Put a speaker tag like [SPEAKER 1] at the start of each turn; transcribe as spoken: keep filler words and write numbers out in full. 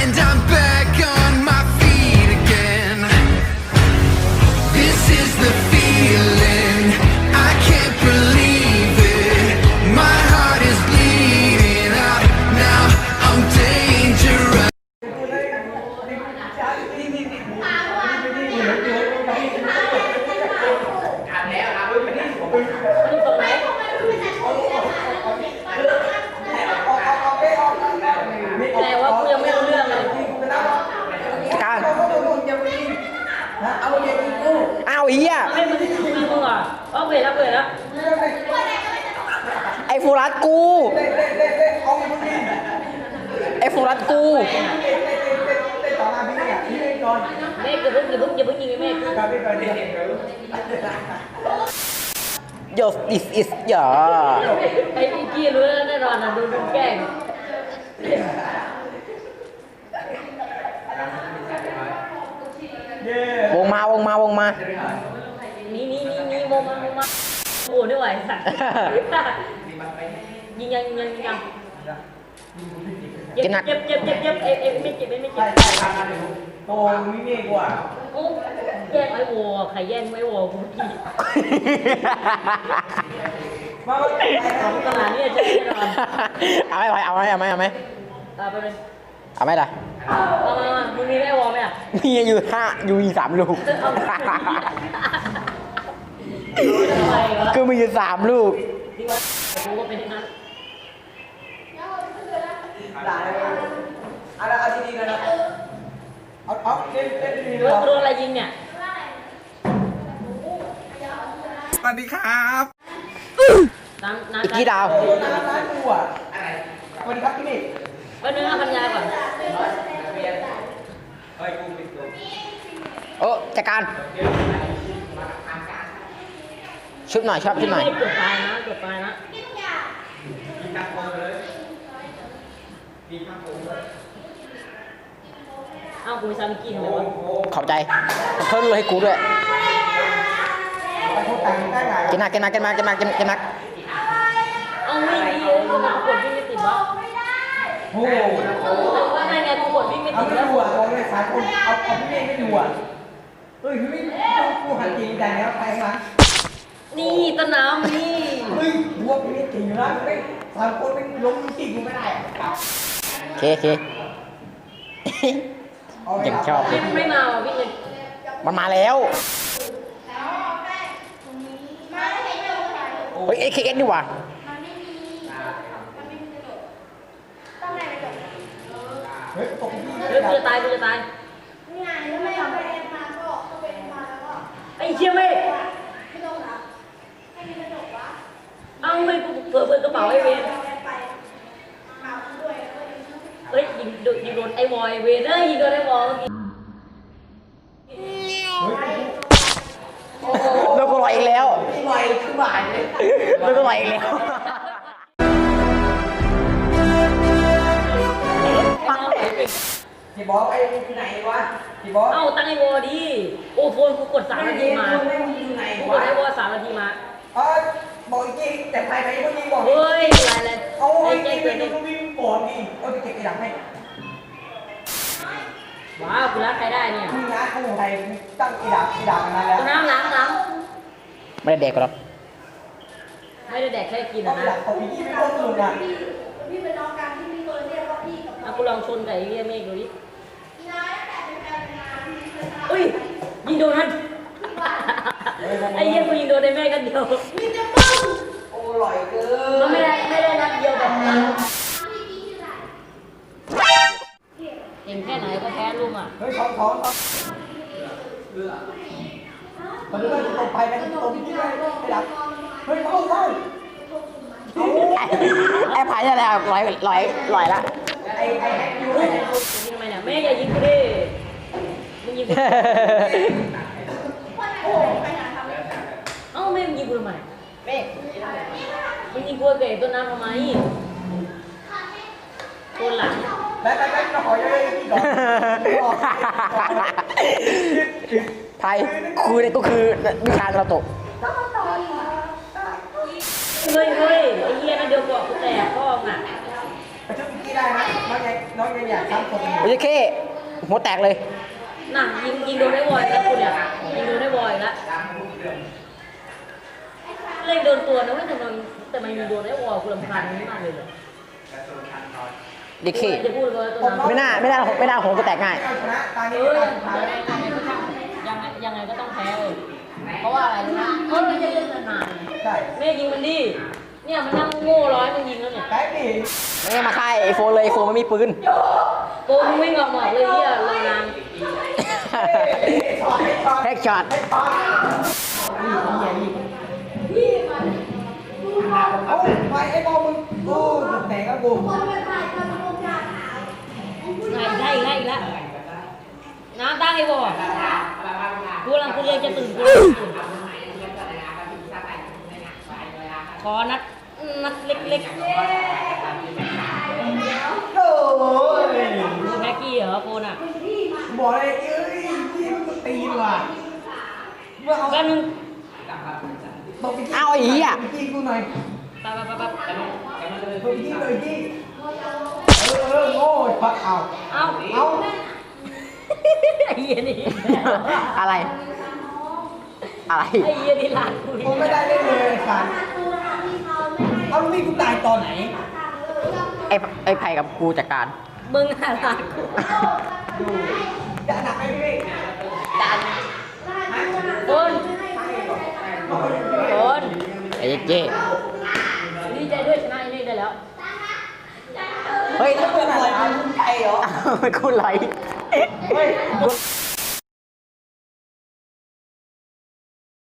[SPEAKER 1] and I'm back on my feet again. This is the feeling, I can't believe it. My heart is bleeding out now, I'm dangerous.
[SPEAKER 2] แต่ว่ากูยังไม่รู้เรื่องเลย
[SPEAKER 3] การอ้าวเฮีย
[SPEAKER 2] ไม่มึงมึงมึงอ่ะเอาเวแล้วเวแล้ว
[SPEAKER 3] ไอ้ฟูรัสกูไอ้ฟูรัสกู
[SPEAKER 2] เมฆอย่าเพิ่งอย่าเพิ่งอย่าเพิ่งยิงเมฆ
[SPEAKER 3] โยส this is อย่า
[SPEAKER 2] ไอ้พี่กี้รู้แล้วแน่นอนนะดูดูแกล้ง
[SPEAKER 3] วงมาวงมาวงมา
[SPEAKER 2] นี่นี่นี่นี่โมมาโมมาโอ้ไม่ไหวสัตว์ยิงยังยิงยังยิงยังเจ็บเจ็บเจ็บเจ็บเจ็บเอเอไม่เจ็บไม่เจ็บโอ้ไม่เมฆกว่าโอ้แย่งไอ้โวใครแย่งไอ้โวกูกี้ของตลาดนี่จะแน่นอน
[SPEAKER 3] เอาไหมเอาไหมเอาไหมเอาไหม
[SPEAKER 2] ตาไปเลย
[SPEAKER 3] เอาไหมล่ะ
[SPEAKER 2] เอามามามึงมีไอ้โวไหมอ่ะ
[SPEAKER 3] มีอยู่ห้าอยู่อีสามลูกคือมีอยู่สามลูก
[SPEAKER 2] ที่ว่ากูก็เป็นนั้น
[SPEAKER 4] เอาเอาดีๆนะเอาเอาเล่นเล่นดีๆ
[SPEAKER 2] โด
[SPEAKER 4] เลย
[SPEAKER 2] นโดนอะไรยิงเนี่ย
[SPEAKER 1] สวัสดีครับ
[SPEAKER 2] น้ำน้ำ
[SPEAKER 3] อีกกี่ดาว
[SPEAKER 4] น้ำร้านกูอ่ะสวัสดีครับพี่เมฆ
[SPEAKER 2] ไปเนื้อพันยาก่อน
[SPEAKER 3] โอ้จัดการชุบหน่อยชอบชุบหน่อย
[SPEAKER 2] เกือบตายนะเกือบตายนะเอ้ากูไปซาบิกินเลยวะ
[SPEAKER 3] ขอบใจเพิ่มเลยให้กูด้วย
[SPEAKER 4] ไปพูดแต่งได้ไง
[SPEAKER 3] กินนักกินนักกินนักกินนักกินนัก
[SPEAKER 2] เอาวิ่งดีเลยกูกดวิ่งไม่ติดวะ
[SPEAKER 4] โอ้โห
[SPEAKER 2] ว่าไงไงกูกดวิ่งไม่
[SPEAKER 4] เอา
[SPEAKER 2] ติด
[SPEAKER 4] ไม่
[SPEAKER 2] แล้ว
[SPEAKER 4] ดูอ่ะเอาเลยสายคนเอาเอาพี่เมฆไม่ดูอ่ะเฮ้ยพี่เมฆกูหันจริงแต่แล้วไปข้างหลัง
[SPEAKER 2] นี่ต้นน้ำนี่
[SPEAKER 4] เฮ้ยดูว่าพี่เมฆจริงอยู่นะไม่สายคนไม่ล้มจริงกูไม่ได้อ่ะ
[SPEAKER 3] โอเคโอเคยังชอบเล
[SPEAKER 2] ไม่
[SPEAKER 3] ย
[SPEAKER 2] ไม่มาว่ะพี่เลย
[SPEAKER 3] มันมาแล้วเฮ้ยเอเคเอสนี่หว่า
[SPEAKER 4] เฮ้ยตกพี่
[SPEAKER 2] เฮ้ยกูจะตายกูจะตายไอ้เชี่ยเมฆเอ้าไม่กูเปิดเปิดกระเป๋าไอ้เวนเฮ้ยยิงโดนยิงโดนไอ้วอยเวนเอ้ยยิงโดนไอ้วอลเมื่อกี้
[SPEAKER 3] แล้วก็ลอยอีกแล้ว
[SPEAKER 4] ลอยขึ้นบ่ายเลย
[SPEAKER 3] แล้วก็ลอยอีกแล้ว
[SPEAKER 4] พี่บอกไอ้อยู่ไหนวะพี่บอก
[SPEAKER 2] เอ้าตั้งไอ้วอลดิโอ้โฟนกูกดสามนาทีมา
[SPEAKER 4] ไม่อยู่ไหน
[SPEAKER 2] กูก
[SPEAKER 4] วะ
[SPEAKER 2] ดไอ้วอลสามนาทีมา
[SPEAKER 4] เออบอกจริงแต่ใครไปก็ยิงบอก
[SPEAKER 2] เฮ้ยอะไรเลย
[SPEAKER 4] เอา
[SPEAKER 2] ไอ้
[SPEAKER 4] ไอ้
[SPEAKER 2] แจ้
[SPEAKER 4] เจ๊
[SPEAKER 2] ง
[SPEAKER 4] เกิ
[SPEAKER 2] เกิ
[SPEAKER 4] ด
[SPEAKER 2] ด
[SPEAKER 4] นี่
[SPEAKER 2] ดิ
[SPEAKER 4] ก็วิ่งก่อนดิเอาไปเก็บไอ้ดังให้
[SPEAKER 2] ว้าวกูรักใครได้เนี่ย
[SPEAKER 4] มึงนะกูไทยตั้งไอ้ดังไอ้ดังนั้นแล้ว
[SPEAKER 2] กูน้ำล้างล้าง
[SPEAKER 3] ไม่ได้เด็กหรอก
[SPEAKER 2] ไม่ได้แดกแค่กิน
[SPEAKER 4] เอา
[SPEAKER 2] นะ
[SPEAKER 4] ไอ้ดังของพี่ไม่ต้องลุงอ่ะ
[SPEAKER 5] พี่เป็นน้องกันที่มีคนเรียกว่าพี่กับ
[SPEAKER 2] เอากูลองชนกับไอ้เหี้ยเมฆดูดิอุ้ยยิงโดนมันไอ้เหี้ยกูยิงโดนไอ้เมฆกันเดียว
[SPEAKER 5] มีจะมึง
[SPEAKER 4] โอ้ลอยเกิน
[SPEAKER 2] มันไม่ได้ไม่ได้นัดเดียวแบบนั้น
[SPEAKER 5] พี่กี้ชื่ออะไร
[SPEAKER 2] เห็นแค่ไหนก็แพ้ลุงอ่ะ
[SPEAKER 4] เฮ้ยท้องท้องท้องมันเริ่มตกไปมันตกที่ไหนไอ้ดังเฮ้ยเข้าเข้า
[SPEAKER 3] ไอ้พายนี่แหละลอยลอยลอยละ
[SPEAKER 4] ไอ้ไอ้แฮกยู
[SPEAKER 2] ยิ
[SPEAKER 4] ไอ้
[SPEAKER 2] งทำไมเนี่ยแม่อย่ายิงกูดิมึงยิงกูเอ้าแม่มึงยิงกูทำไมแม่มึงยิงกูเก๋ต้นน้ำทำไมตัวหลัง
[SPEAKER 4] แบ๊ะแบ๊ะแบ๊ะเราขอยังไงพี่ก่อน
[SPEAKER 3] ไทยคือเนี่ยก็คือวิชาเราตก
[SPEAKER 2] เฮ้ยเฮ้ยไอ้เหี้ยนั่นเดียวบอกกูแตกพ่อมึงอ่ะ
[SPEAKER 4] ไปช่วยพี่กี้ได้นะน้องยังน้องยังอยากซ้ำคนอยู่
[SPEAKER 3] โอ้ยเคหัวแตกเลย
[SPEAKER 2] น่ะยิงยิงโดนได้วอยแล้วคุณเนี่ยยิงโดนได้วอยแล้วเล่นโดนตัวนะไม่แต่มันแต่มันยิงโดนได้วอยคุณลำพันธ์มากเลยเหรอ
[SPEAKER 3] ดีเค
[SPEAKER 2] จะพูดเลยตัวนั้น
[SPEAKER 3] ไม่น่าไม่น่าไม่น่าหัวกูแตกง่าย
[SPEAKER 4] เอาชนะตา
[SPEAKER 2] เอ
[SPEAKER 4] นี้
[SPEAKER 2] อ
[SPEAKER 4] ตาสุดท้ายแล้ว
[SPEAKER 2] ยังไงยังไงก็ต้องแพ้เลยเพราะว่าอะไรรู้ไหมเออไม่ใช่เล่นนาน
[SPEAKER 4] ใช่
[SPEAKER 2] ๆแม่ยิงมันดิเนี่ยมันนั่งโง่ร้อยมันยิงแล้วเนี่ย
[SPEAKER 4] แป๊บดิ
[SPEAKER 3] ไม่ได้มาค่ายไอโฟนเลยไอโฟนมันมีปืน
[SPEAKER 2] โกงวิ่งออกหมอกเลยเนี่ยเลยนาง
[SPEAKER 3] แฮกช็อต
[SPEAKER 4] เอาไปไอ้บอลมึงโอ้แตกก็กู
[SPEAKER 5] คนไปถ่ายคนโครงการหา
[SPEAKER 2] ไงได้อีกแล้วอีกแล้วน้ำตั้งไอ้บ่กูกำลังกูเรียนจะตื่นกูตื่นขอนัดนัดเล็ก
[SPEAKER 4] โอ้ย
[SPEAKER 2] ๆแม็กกี้เหรอโฟนอ่ะ
[SPEAKER 4] บอกเลยเอ้ยพี่มันตีนว่ะเมื่อเอา
[SPEAKER 2] แป๊บนึง
[SPEAKER 4] ตบไป
[SPEAKER 3] เอาไอ้เหี้ย
[SPEAKER 4] จี้กูหน่อย
[SPEAKER 2] แป๊บแป๊บแป๊บแป๊บ
[SPEAKER 4] ตบจี้เลยจี้เออเออโง่ปักเอา
[SPEAKER 2] เอ้า
[SPEAKER 4] เอา
[SPEAKER 2] ไอ้เหี้ยนี่
[SPEAKER 3] อะไร อะไร
[SPEAKER 2] ไอ้เหี้ยนี่หลานกู
[SPEAKER 4] ผมไม่ได้เล่นเลยไอ้สันเอาลูกพี่กูตายตอนไหน
[SPEAKER 3] ไอไอไผ่กับกูจัดการ
[SPEAKER 2] มึงหาหลานกู
[SPEAKER 4] ดูจะหนักไหมพี่
[SPEAKER 2] ดันโฟนโฟน
[SPEAKER 3] ไอเจ๊
[SPEAKER 2] ดีใจด้วยชนะไอ้นี่ได้แล้ว
[SPEAKER 3] เฮ้ย
[SPEAKER 4] แล้วมึงอะไรมึงใจเหรอ
[SPEAKER 3] กูไหล
[SPEAKER 4] เฮ้ย
[SPEAKER 3] กู